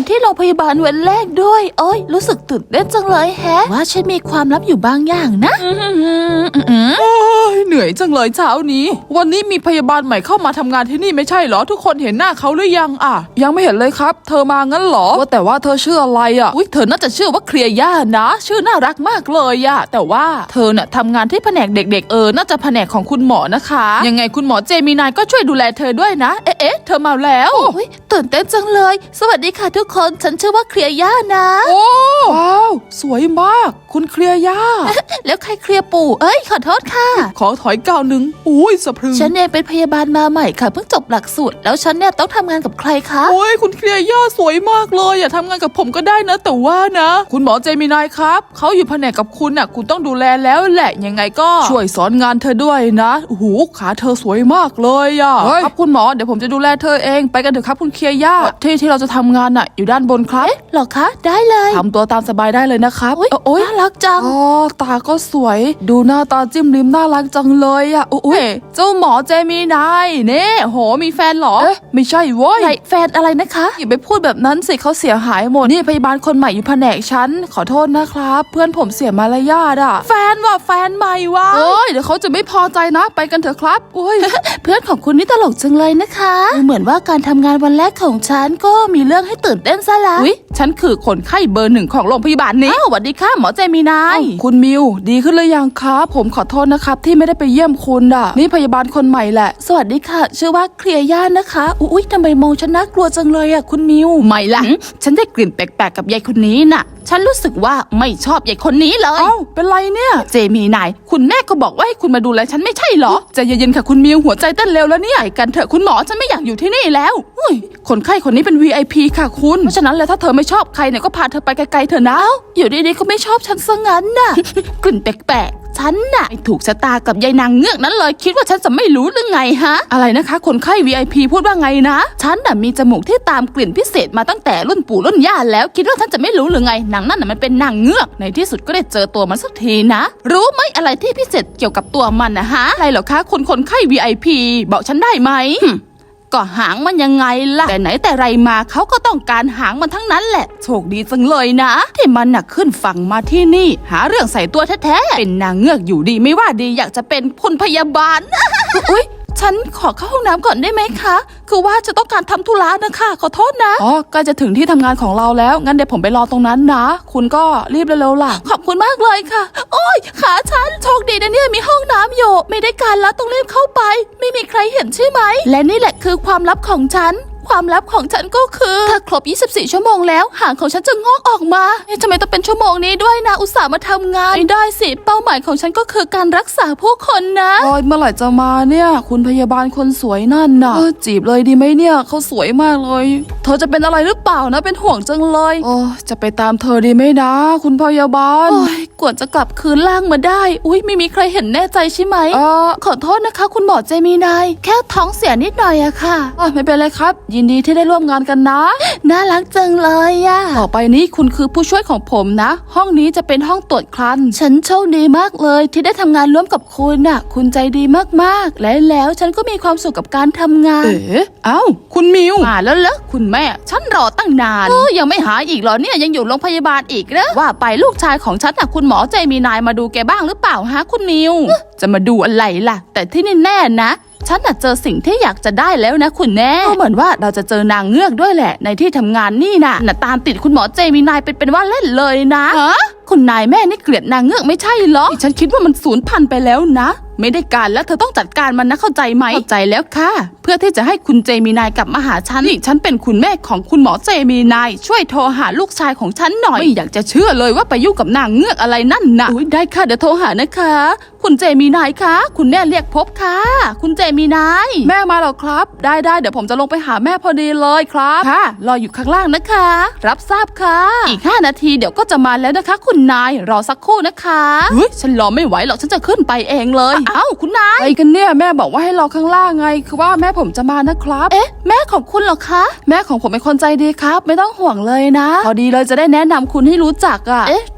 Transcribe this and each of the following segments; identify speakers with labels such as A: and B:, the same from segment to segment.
A: ที่โรงพยาบาลวันแรกด้วยโอ้ยรู้สึกตื่นเต้นจังเลยแฮะว่าฉันมีความลับอยู่บางอย่างนะ
B: โอ้ยเหนื่อยจังเลยเช้านี้วันนี้มีพยาบาลใหม่เข้ามาทำงานที่นี่ไม่ใช่เหรอทุกคนเห็นหน้าเขาหรือยังยังไม่เห็นเลยครับเธอมางั้นเหรอว่าแต่ว่าเธอชื่ออะไรอุ๊ยเธอน่าจะชื่อว่าเคลียร์ย่านะชื่อน่ารักมากเลยแต่ว่าเธอน่ะทำงานที่แผนกเด็กๆน่าจะแผนกของคุณหมอนะคะยังไงคุณหมอเจมินายก็ช่วยดูแลเธอด้วยนะเอ๊ะเธอมาแล้ว
A: ตื่นเต้นจังเลยสวัสดีค่ะทุกคนฉันชื่อว่าเคลียร์ย่านะ
B: โอ้ว้าวสวยมากคุณเคลียร์ย่า
A: แล้วใครเคลียร์ปู่ขอโทษค่ะ
B: ขอถอยก้าวหนึ่งอุ้ยสะพรึง
A: ฉันเองเป็นพยาบาลมาใหม่ค่ะเพิ่งจบหลักสูตรแล้วฉันเนี่ยต้องทำงานกับใครคะ
B: โอ้ยคุณเคลียร์ย่าสวยมากเลยทำงานกับผมก็ได้นะแต่ว่านะคุณหมอเจมินายครับเขาอยู่แผนกกับคุณคุณต้องดูแลแล้วแหละยังไงก็ช่วยสอนงานเธอด้วยนะโอ้โหขาเธอสวยมากเลยครับคุณหมอเดี๋ยวผมจะดูแลเธอเองไปกันเถอะครับคุณเคลียร์ย่าที่เราจะทำงานอยู่ด้านบนครับ
A: หรอคะได้เลย
B: ทำตัวตามสบายได้เลยนะครับ
A: โอ้ยน่ารักจัง
B: ตาก็สวยดูหน้าตาจิ้มลิ้มน่ารักจังเลยอุ้ยเจ้าหมอเจมินายเนี่ยโหมีแฟนเหรอไม่ใช่เว้ย
A: แฟนอะไรนะคะ
B: อย่าไปพูดแบบนั้นสิเขาเสียหายหมดนี่พยาบาลคนใหม่อยู่แผนกฉันขอโทษนะครับเพื่อนผมเสียมารยาทแฟนใหม่วะเดี๋ยวเขาจะไม่พอใจนะไปกันเถอะครับ
A: เพื่อนของคุณนี่ตลกจังเลยนะคะเหมือนว่าการทำงานวันแรกของฉันก็มีเรื่องให้ตื่นเต้นซะแล้ว
B: ฉันคือคนไข้เบอร์ 1ของโรงพยาบาลนี้
A: สวัสดีค่ะหมอเจมินาย
B: คุณมิวดีขึ้นหรือยังครับผมขอโทษนะครับที่ไม่ได้ไปเยี่ยมคุณนี่พยาบาลคนใหม่แหละ
A: สวัสดีค่ะชื่อว่าเคลียร์ย่านะคะอุ๊ยทำไมมองฉันน่ากลัวจังเลยคุณมิว
B: ไม่ละ
A: ฉันได้กลิ่นแปลกๆกับยายคนนี้น่ะฉันรู้สึกว่าไม่ชอบยายคนนี้เลย
B: เป็นไรเนี่ย
A: เจมินายคุณแม่ก็บอกว่าให้คุณมาดูแลฉันไม่ใช่เหรอ
B: ใจเย็นๆค่ะคุณมิวหัวใจเต้นเร็วแล้วเนี่ย
A: ไปกันเถอะคุณหมอฉันไม่อยากอยู่ที่นี่แล้ว
B: คนไข้คนนี้เป็น VIP ค่ะคุณเพราะฉะนั้นแล้วถ้าเธอไม่ชอบใครเนี่ยก็พาเธอไปไกลๆเถอะนะ
A: อยู่ดีๆก็ไม่ชอบฉันซะงั้นน่ะ กลิ่นแปลกๆฉันน่ะถูกชะตากับยายนางเงือกนั้นเลยคิดว่าฉันจะไม่รู้หรือไงฮะ
B: อะไรนะคะคนไข้ VIP พูดว่าไงนะ
A: ฉันน่ะมีจมูกที่ตามกลิ่นพิเศษมาตั้งแต่รุ่นปู่รุ่นย่าแล้วคิดว่าฉันจะไม่รู้หรือไงนางนั่นน่ะมันเป็นนางเงือกในที่สุดก็ได้เจอตัวมันสักทีนะรู้ไหมอะไรที่พิเศษเกี่ยวกับตัวมันนะฮะ
B: อะไรเหรอคะคนไข้ VIP บอกฉันได้ไหม
A: ก็หางมันยังไงล่ะแต่ไหนแต่ไรมาเขาก็ต้องการหางมันทั้งนั้นแหละโชคดีจังเลยนะที่มันน่ะขึ้นฝั่งมาที่นี่หาเรื่องใส่ตัวแท้ๆเป็นนางเงือกอยู่ดีไม่ว่าดีอยากจะเป็นคุณพยาบาล อุ๊ยฉันขอเข้าห้องน้ำก่อนได้ไหมคะคือว่าจะต้องการทำธุระนะคะขอโทษนะ
B: ใกล้จะถึงที่ทำงานของเราแล้วงั้นเดี๋ยวผมไปรอตรงนั้นนะคุณก็รีบเร็วๆล่ะ
A: ขอบคุณมากเลยค่ะโอ้ยขาฉันโชคดีนะเนี่ยมีห้องน้ำอยู่ไม่ได้การแล้วต้องรีบเข้าไปไม่มีใครเห็นใช่ไหมและนี่แหละคือความลับของฉันความลับของฉันก็คือถ้าครบ24ชั่วโมงแล้วหางของฉันจะงอกออกมาทำไมต้องเป็นชั่วโมงนี้ด้วยนะอุตส่าห์มาทำงานไม่ได้สิเป้าหมายของฉันก็คือการรักษาผู้คนนะ
B: เมื่อไหร่จะมาเนี่ยคุณพยาบาลคนสวยนั่นน่ะจีบเลยดีไหมเนี่ยเขาสวยมากเลยเธอจะเป็นอะไรหรือเปล่านะเป็นห่วงจังเลยจะไปตามเธอดีไหมนะคุณพยาบาล
A: กว่าจะกลับคืนล่างมาได้อุ๊ยไม่มีใครเห็นแน่ใจใช่ไหมขอโทษนะคะคุณหมอเจมินายแค่ท้องเสียนิดหน่อยอะค่ะ
B: ไม่เป็นไรครับยินดีที่ได้ร่วมงานกันนะ
A: น่ารักจังเลย
B: ต่อไปนี้คุณคือผู้ช่วยของผมนะห้องนี้จะเป็นห้องตรวจครรภ์
A: ฉันโชคดีมากเลยที่ได้ทำงานร่วมกับคุณน่ะคุณใจดีมากๆและแล้วฉันก็มีความสุขกับการทำงาน
B: คุณมิว
A: มาแล้วเหรอคุณแม่ฉันรอตั้งนานยังไม่หายอีกเหรอเนี่ยยังอยู่โรงพยาบาลอีกเหรอว่าไปลูกชายของฉันน่ะคุณหมอเจมินายมาดูแกบ้างหรือเปล่าฮะคุณมิวจะมาดูอะไรล่ะแต่ที่แน่ๆนะฉันน่ะเจอสิ่งที่อยากจะได้แล้วนะคุณแม่ก็เหมือนว่าเราจะเจอนางเงือกด้วยแหละในที่ทำงานนี่น่ะตามติดคุณหมอเจมินายเป็นว่าเล่นเลยนะคุณนายแม่นี่เกลียดนางเงือกไม่ใช่เหรอฉันคิดว่ามันสูญพันธุ์ไปแล้วนะไม่ได้การแล้วเธอต้องจัดการมันนะเข้าใจไหมเข้าใจแล้วค่ะเพื่อที่จะให้คุณเจมินายกลับมาหาฉันนี่ฉันเป็นคุณแม่ของคุณหมอเจมินายช่วยโทรหาลูกชายของฉันหน่อยไม่อยากจะเชื่อเลยว่าไปยุ่งกับนางเงือกอะไรนั่นนะได้ค่ะเดี๋ยวโทรหานะคะคุณเจมินายคะคุณแม่เรียกพบค่ะคุณเจมินาย
B: แม่มาแล้วครับได้เดี๋ยวผมจะลงไปหาแม่พอดีเลยครับ
A: ค่ะรออยู่ข้างล่างนะคะรับทราบค่ะอีก5 นาทีเดี๋ยวก็จะมาแล้วนะคะคุณนายรอสักครู่นะคะ
B: ฉันรอไม่ไหวหรอกฉันจะขึ้นไปเองเลย
A: คุณนาย
B: อะไรกันเนี่ยแม่บอกว่าให้รอข้างล่างไงคือว่าแม่ผมจะมานะครับ
A: แม่ของคุณเหรอคะ
B: แม่ของผมเป็นคนใจดีครับไม่ต้องห่วงเลยนะพอดีเลยจะได้แนะนำคุณให้รู้จัก
A: ท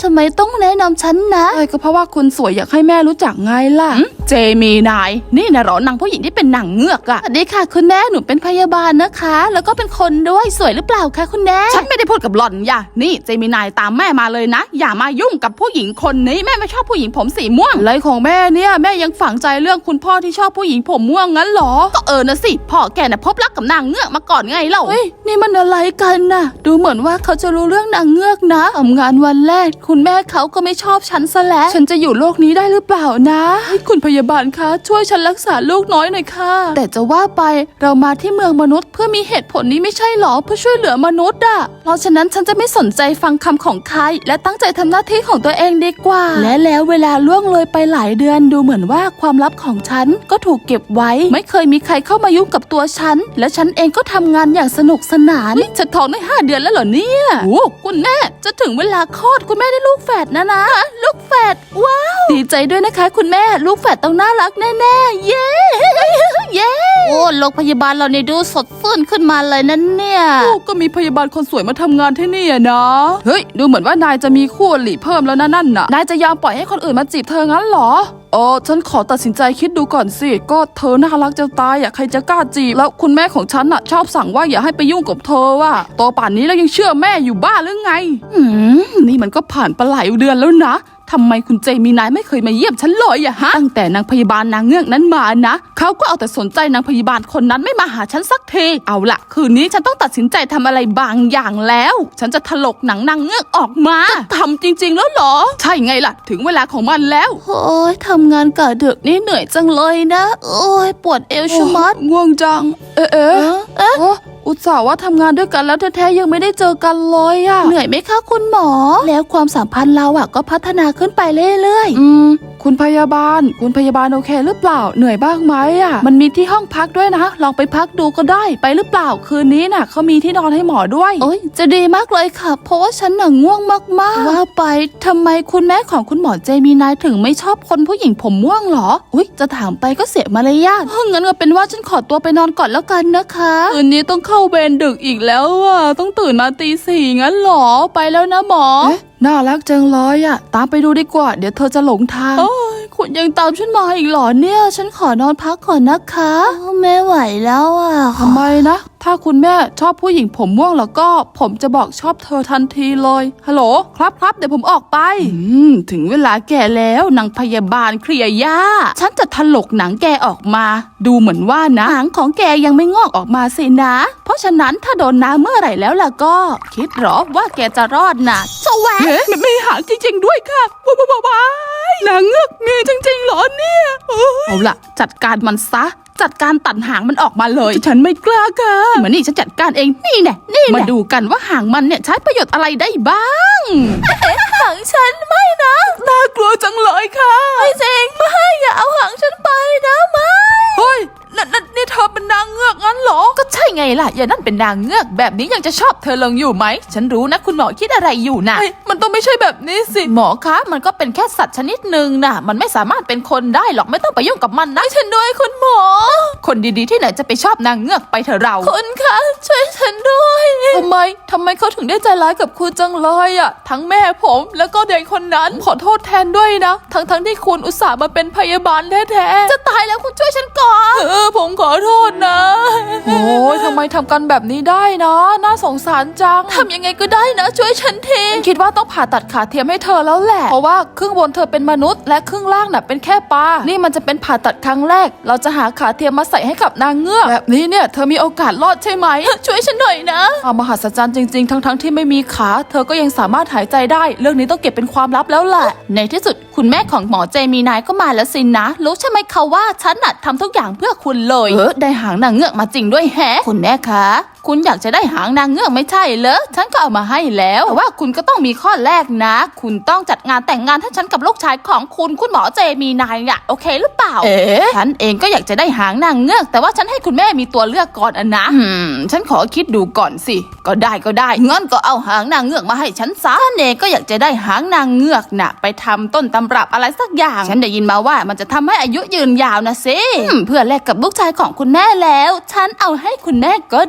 A: ทำไมต้องแนะนำฉันนะก็เพราะว่าคุณสวยอยากให้แม่รู้จักไงล่ะเจมีนายนี่นะหรอนางผู้หญิงที่เป็นนางเงือกอะสวัสดีค่ะคุณแม่หนูเป็นพยาบาลนะคะแล้วก็เป็นคนด้วยสวยหรือเปล่าคะคุณแม่ฉันไม่ได้พูดกับหล่อนอย่านี่เจมีนายตามแม่มาเลยนะอย่ามายุ่งกับผู้หญิงคนนี้แม่ไม่ชอบผู้หญิงผมสีม่วงอะไรของแม่เนี่ยแม่ยังฝังใจเรื่องคุณพ่อที่ชอบผู้หญิงผมม่วงงั้นหรอก็นะสิพ่อแกน่ะพบรักกับนางเงือกมาก่อนไงเล่าเฮ้ยนี่มันอะไรกันน่ะดูเหมือนว่าเขาจะรู้เรื่องนางเงือกนะทำงานวันแรกคุณแม่เขาก็ไม่ชอบฉันซะแล้วฉันจะอยู่โลกนี้ได้หรือเปล่านะคุณพยาบาลคะช่วยฉันรักษาลูกน้อยหน่อยค่ะแต่จะว่าไปเรามาที่เมืองมนุษย์เพื่อมีเหตุผลนี้ไม่ใช่หรอเพื่อช่วยเหลือมนุษย์อะเพราะฉะนั้นฉันจะไม่สนใจฟังคำของใครและตั้งใจทำหน้าที่ของตัวเองดีกว่าและแล้วเวลาล่วงเลยไปหลายเดือนดูเหมือนว่าความลับของฉันก็ถูกเก็บไว้ไม่เคยมีใครเข้ามายุ่งกับตัวฉันและฉันเองก็ทำงานอย่างสนุกสนานฉันท้องได้5 เดือนแล้วเหรอเนี่ยโอ้คุณแม่จะถึงเวลาคลอดคุณแม่ได้ลูกแฝดนะลูกแฝดว้าวดีใจด้วยนะคะคุณแม่ลูกแฝดต้องน่ารักแน่ๆเย้เย้โอ้โรงพยาบาลเราเนี่ยดูสดชื่นขึ้นมาเลยนั่นเนี่ยก็มีพยาบาลคนสวยมาทำงานที่นี่นะเฮ้ยดูเหมือนว่านายจะมีคู่อริเพิ่มแล้วนั่นน่ะนายจะยอมปล่อยให้คนอื่นมาจีบเธองั้นเหรอฉันขอตัดสินใจคิดดูก่อนสิก็เธอน่ารักจะตายใครจะกล้าจีบแล้วคุณแม่ของฉันชอบสั่งว่าอย่าให้ไปยุ่งกับเธอโตป่านนี้แล้วยังเชื่อแม่อยู่บ้าหรือไงนี่มันก็ผ่านไปหลายเดือนแล้วนะทำไมคุณเจมีนายไม่เคยมาเยี่ยมฉันเลยฮะตั้งแต่นางพยาบาลนางเงือกนั้นมานะเขาก็เอาแต่สนใจนางพยาบาลคนนั้นไม่มาหาฉันสักทีเอาละคืนนี้ฉันต้องตัดสินใจทำอะไรบางอย่างแล้วฉันจะถลกหนังนางเงือกออกมาทำจริงๆแล้วเหรอใช่ไงล่ะถึงเวลาของมันแล้วโอ้ยทำงานกะดึกนี่เหนื่อยจังเลยนะโอ้ยปวดเอวชะมัดง่วงจังอุตส่าห์ว่าทำงานด้วยกันแล้วแท้ๆยังไม่ได้เจอกันเลยเหนื่อยไหมคะคุณหมอแล้วความสัมพันธ์เราก็พัฒนาขึ้นไปเรื่อยๆคุณพยาบาลโอเคหรือเปล่าเหนื่อยบ้างไหมมันมีที่ห้องพักด้วยนะลองไปพักดูก็ได้ไปหรือเปล่าคืนนี้เขามีที่นอนให้หมอด้วยโอ้ยจะดีมากเลยค่ะเพราะว่าฉันง่วงมากๆว่าไปทำไมคุณแม่ของคุณหมอเจมีนายถึงไม่ชอบคนผู้หญิงผมม่วงหรออุ๊ยจะถามไปก็เสียมารยาทงั้นก็เป็นว่าฉันขอตัวไปนอนก่อนแล้วกันนะคะคืนนี้ต้องเข้าเวรดึกอีกแล้วต้องตื่นมาตี 4งั้นหรอไปแล้วนะหมอน่ารักจังเลยตามไปดูดีกว่าเดี๋ยวเธอจะหลงทางคุณยังตามฉันมาอีกเหรอเนี่ยฉันขอนอนพักก่อนนะคะไม่ไหวแล้วทำไมนะถ้าคุณแม่ชอบผู้หญิงผมม่วงแล้วก็ผมจะบอกชอบเธอทันทีเลยฮัลโหลครับเดี๋ยวผมออกไปถึงเวลาแกแล้วนางพยาบาลเคลียร์ย่าฉันจะถลกหนังแกออกมาดูเหมือนว่านะหนังของแกยังไม่งอกออกมาสินะเพราะฉะนั้นถ้าโดนน้ำเมื่อไหร่แล้วล่ะก็คิดหรอว่าแกจะรอดนะสวะมันไม่หางจริงๆด้วยค่ะว้ายนางเงือกมีจริงๆเหรอเนี่ยเอาล่ะจัดการมันซะจัดการตัดหางมันออกมาเลยฉันไม่กล้าค่ะมานี่ฉันจัดการเองนี่แน่มาดูกันว่าหางมันเนี่ยใช้ประโยชน์อะไรได้บ้างหางฉันไม่นะน่ากลัวจังเลยค่ะไม่เจงไม่อย่าเอาหางฉันไปนะไม่เฮ้ยนี่เธอเป็นนางเงือกงั้นเหรอก็ใช่ไงล่ะอย่านั่นเป็นนางเงือกแบบนี้ยังจะชอบเธอลงอยู่ไหมฉันรู้นะคุณหมอคิดอะไรอยู่นะมันต้องไม่ใช่แบบนี้สิหมอคะมันก็เป็นแค่สัตว์ชนิดหนึ่งนะมันไม่สามารถเป็นคนได้หรอกไม่ต้องไปยุ่งกับมันนะฉันด้วยคุณหมอคนดีๆที่ไหนจะไปชอบนางเงือกไปเถอะเราคุณคะช่วยฉันด้วยทำไมเขาถึงได้ใจร้ายกับคุณจังเลยทั้งแม่ผมแล้วก็เด็กคนนั้นขอโทษแทนด้วยนะทั้งที่คุณอุตส่าห์มาเป็นพยาบาลแท้ๆจะตายแล้วคุณช่วยฉันก่อนผมขอโทษนะโอ้ยทำไมทำกันแบบนี้ได้นะน่าสงสารจังทำยังไงก็ได้นะช่วยฉันทีคิดว่าต้องผ่าตัดขาเทียมให้เธอแล้วแหละเพราะว่าครึ่งบนเธอเป็นมนุษย์และครึ่งล่างเป็นแค่ปลานี่มันจะเป็นผ่าตัดครั้งแรกเราจะหาขาเทียมมาใส่ให้กับนางเงือกแบบนี้เนี่ยเธอมีโอกาสรอดใช่ไหมช่วยฉันหน่อยนะมหัศจรรย์จริงๆทั้งที่ไม่มีขาเธอก็ยังสามารถหายใจได้เรื่องนี้ต้องเก็บเป็นความลับแล้วแหละในที่สุดคุณแม่ของหมอเจมีนายก็มาแล้วสินะรู้ใช่ไหมคะว่าฉันทำทุกอย่างเพื่อคุณเลยได้หางนางเงือกมาจริงด้วยแฮะคุณแม่คะคุณอยากจะได้หางนางเงือกไม่ใช่เหรอฉันก็เอามาให้แล้วแต่ว่าคุณก็ต้องมีข้อแรกนะคุณต้องจัดงานแต่งงานให้ฉันกับลูกชายของคุณหมอเจมีนายโอเคหรือเปล่าฉันเองก็อยากจะได้หางนางเงือกแต่ว่าฉันให้คุณแม่มีตัวเลือกก่อนนะฉันขอคิดดูก่อนสิก็ได้งั้นก็เอาหางนางเงือกมาให้ฉันซะฉันเองก็อยากจะได้หางนางเงือกไปทำต้นตำรับอะไรสักอย่างฉันได้ยินมาว่ามันจะทำให้อายุยืนยาวนะสิเพื่อแลกกับลูกชายของคุณแม่แล้วฉันเอาให้คุณแม่ก็ได้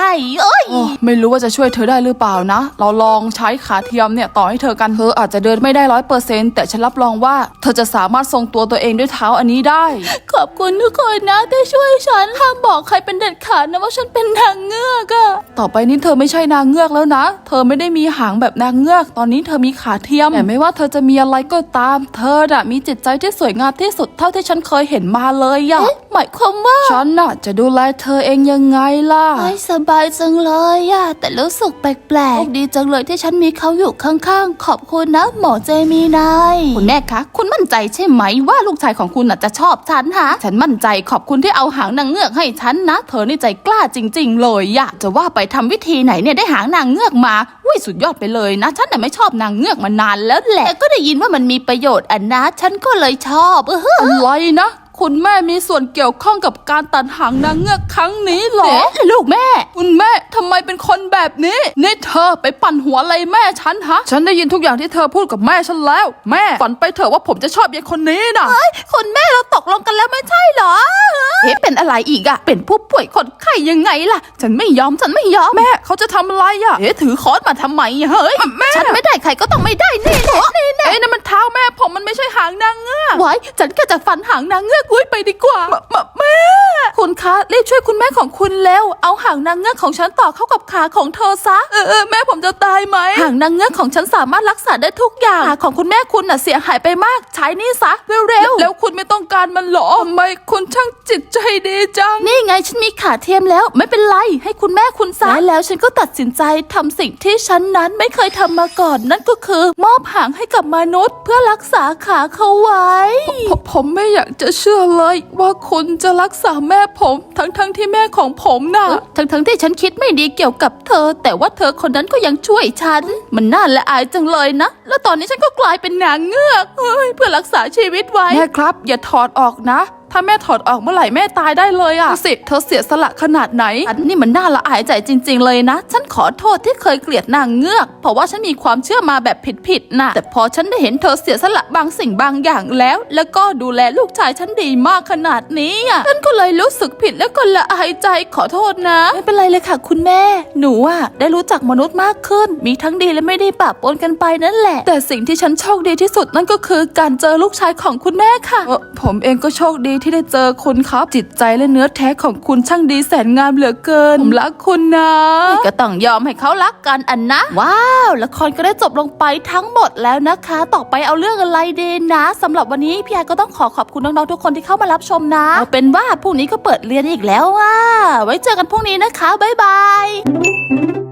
A: ได้เอ้ย
B: ไม่รู้ว่าจะช่วยเธอได้หรือเปล่านะ เราลองใช้ขาเทียมเนี่ยต่อให้เธอกันเธออาจจะเดินไม่ได้100%แต่ฉันรับรองว่าเธอจะสามารถทรงตัวเองด้วยเท้าอันนี้ได้
A: ขอบคุณทุกคนนะที่ช่วยฉันห้ามบอกใครเป็นเด็ดขาดนะว่าฉันเป็นนางเงือกอะ
B: ต่อไปนี้เธอไม่ใช่นางเงือกแล้วนะ เธอไม่ได้มีหางแบบนางเงือก ตอนนี้เธอมีขาเทียม แต่ไม่ว่าเธอจะมีอะไรก็ตาม เธอน่ะมีจิตใจที่สวยงามที่สุดเท่าที่ฉันเคยเห็นมาเลยอะ
A: หมายความว่า
B: ฉันน่ะจะดูแลเธอเองยังไงล่ะ
A: ไม่สบายจังเลยอะแต่รู้สึกแปลกๆดีจังเลยที่ฉันมีเขาอยู่ข้างๆขอบคุณนะหมอเจมีนายคุณแม่คะคุณมั่นใจใช่ไหมว่าลูกชายของคุณน่ะจะชอบฉันฮะฉันมั่นใจขอบคุณที่เอาหางนางเงือกให้ฉันนะเธอนี่ใจกล้าจริงๆเลยอะจะว่าไปทำวิธีไหนเนี่ยได้หางนางเงือกมาอุ้ยสุดยอดไปเลยนะฉันน่ะไม่ชอบนางเงือกมานานแล้วแหละแต่ก็ได้ยินว่ามันมีประโยชน์อันนะฉันก็เลยชอบ
B: อะไรนะ คุณแม่มีส่วนเกี่ยวข้องกับการตัดหางนางเงือกครั้งนี้เหรอ
A: ลูกแม่
B: คุณแม่ทำไมเป็นคนแบบนี้นี่เธอไปปั่นหัวอะไรแม่ฉันฮะ ฉันได้ยินทุกอย่างที่เธอพูดกับแม่ฉันแล้ว แม่ฝันไปเถอะว่าผมจะชอบยายคนนี้นะ
A: คุณแม่เราตกลงกันแล้วไม่ใช่เหรอเป็นอะไรอีกอะเป็นผู้ป่วยคนไข้ยังไงล่ะฉันไม่ยอม
B: แม่เขาจะทำอะไรอ่ะ
A: ถือค้อนมาทำไมเฮ้ยฉันไม่ได้ใครก็ต้องไม่ได้นี่แหละ
B: เอ้ยนั่นมันเท้าแม่ผมมันไม่ใช่หางนางเงือก
A: ไว้ฉันก็จะฟันหางนางเงือกอุ้ยไปดีกว่าแม่คุณคะรีบช่วยคุณแม่ของคุณเร็วเอาหางนางเงือกของฉันต่อเข้ากับขาของเธอซะ
B: แม่ผมจะตายไหม
A: หางนางเงือกของฉันสามารถรักษาได้ทุกอย่างขาของคุณแม่คุณน่ะเสียหายไปมากใช้นี่ซะเร็ว
B: แล้วคุณไม่ต้องการมันเหรอทำไมคุณช่างจิตใจดีจัง
A: นี่ไงฉันมีขาเทียมแล้วไม่เป็นไรให้คุณแม่คุณซะแล้วฉันก็ตัดสินใจทำสิ่งที่ฉันนั้นไม่เคยทำมาก่อนนั่นก็คือมอบหางให้กับมนุษย์เพื่อรักษาขาเขาไว้
B: ผมไม่อยากจะเชื่อเลยว่าคุณจะรักษาแม่ผมทั้งที่แม่ของผมน่ะ
A: ทั้งที่ฉันคิดไม่ดีเกี่ยวกับเธอ แต่ว่าเธอคนนั้นก็ยังช่วยฉันมันน่าละอายจังเลยนะแล้วตอนนี้ฉันก็กลายเป็นนางเงือกเพื่อรักษาชีวิตไว้
B: แม่ครับอย่าถอดออกนะ ถ้าแม่ถอดออกเมื่อไหร่แม่ตายได้เลยอ่ะสิเธอเสียสละขนาดไหน
A: อันนี้มันน่าละอายใจจริงๆเลยนะฉันขอโทษที่เคยเกลียดนางเงือกเพราะว่าฉันมีความเชื่อมาแบบผิดๆนะแต่พอฉันได้เห็นเธอเสียสละบางสิ่งบางอย่างแล้วก็ดูแลลูกชายฉันดีมากขนาดนี้อ่ะฉันก็เลยรู้สึกผิดแล้วก็ละอายใจขอโทษนะไม่เป็นไรเลยค่ะคุณแม่หนูอ่ะได้รู้จักมนุษย์มากขึ้นมีทั้งดีและไม่ดีปะปนกันไปนั่นแหละแต่สิ่งที่ฉันโชคดีที่สุดนั่นก็คือการเจอลูกชายของคุณแม่ค่ะ
B: ผมเองก็โชคดีที่ได้เจอคุณครับจิตใจและเนื้อแท้ของคุณช่างดีแสนงามเหลือเกินผมรักคุณนะ
A: ก็ต้องยอมให้เขารักกันอันนะว้าวละครก็ได้จบลงไปทั้งหมดแล้วนะคะต่อไปเอาเรื่องอะไรดีนะสำหรับวันนี้พี่ไอก็ต้องขอบคุณน้องๆทุกคนที่เข้ามารับชมนะเอาเป็นว่าพรุ่งนี้ก็เปิดเรียนอีกแล้วไว้เจอกันพรุ่งนี้นะคะบ๊ายบาย